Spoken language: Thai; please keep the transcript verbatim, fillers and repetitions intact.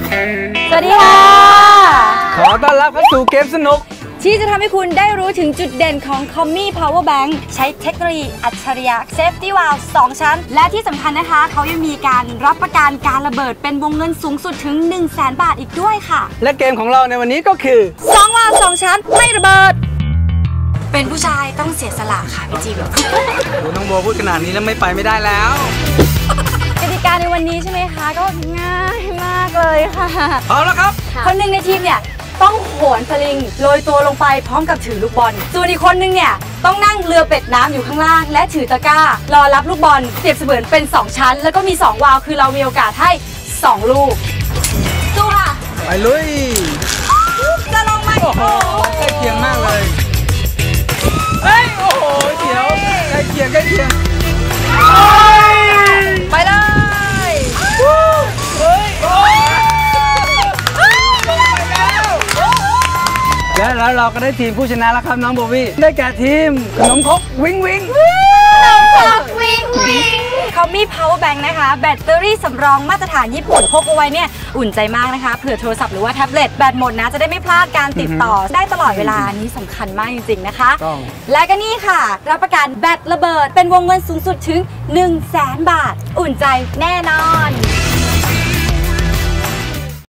สวัสดีค่ะขอต้อนรับเข้าสู่เกมสนุกที่จะทำให้คุณได้รู้ถึงจุดเด่นของ Commi Power Bank ใช้เทคโนโลยีอัจฉริยะ Safety Valve สองชั้นและที่สำคัญนะคะเขายังมีการรับประกันการระเบิดเป็นวงเงินสูงสุดถึง หนึ่งแสน บาทอีกด้วยค่ะและเกมของเราในวันนี้ก็คือสองวาล์วสองชั้นไม่ระเบิดเป็นผู้ชายต้องเสียสละค่ะพี่จิมโอ้น้องโบพูดขนาดนี้แล้วไม่ไปไม่ได้แล้วกติกาในวันนี้ใช่ไหมคะก็ง่ายมากเลยค่ะเอาละครับคนหนึ่งในทีมเนี่ยต้องโหนสลิงโรยตัวลงไปพร้อมกับถือลูกบอลส่วนอีกคนนึงเนี่ยต้องนั่งเรือเป็ดน้ำอยู่ข้างล่างและถือตะกร้ารอรับลูกบอลเปรียบเสมือนเป็นสองชั้นแล้วก็มีสองวาล์วคือเรามีโอกาสให้สองลูกสู้ค่ะไปลุยจะลงไหมโอ้โหใกล้เคียงมากเลยเฮ้ยโอ้โหเดี๋ยวใกล้เคียงใกล้เคียงไปเลยเฮ้ยและแล้วเราก็ได้ทีมผู้ชนะแล้วครับน้องโบวี่ได้แก่ทีมขนมครกวิงวิงขนมครกวิงวิงCommi Power Bank นะคะแบตเตอรี่สำรองมาตรฐานญี่ปุ่นพกเอาไว้เนี่ยอุ่นใจมากนะคะเผื่อโทรศัพท์หรือว่าแท็บเล็ตแบตหมดนะจะได้ไม่พลาดการติดต่อได้ตลอดเวลานี้สำคัญมากจริงๆนะคะและก็นี่ค่ะรับประกันแบตระเบิดเป็นวงเงินสูงสุดถึง หนึ่งแสน บาทอุ่นใจแน่นอน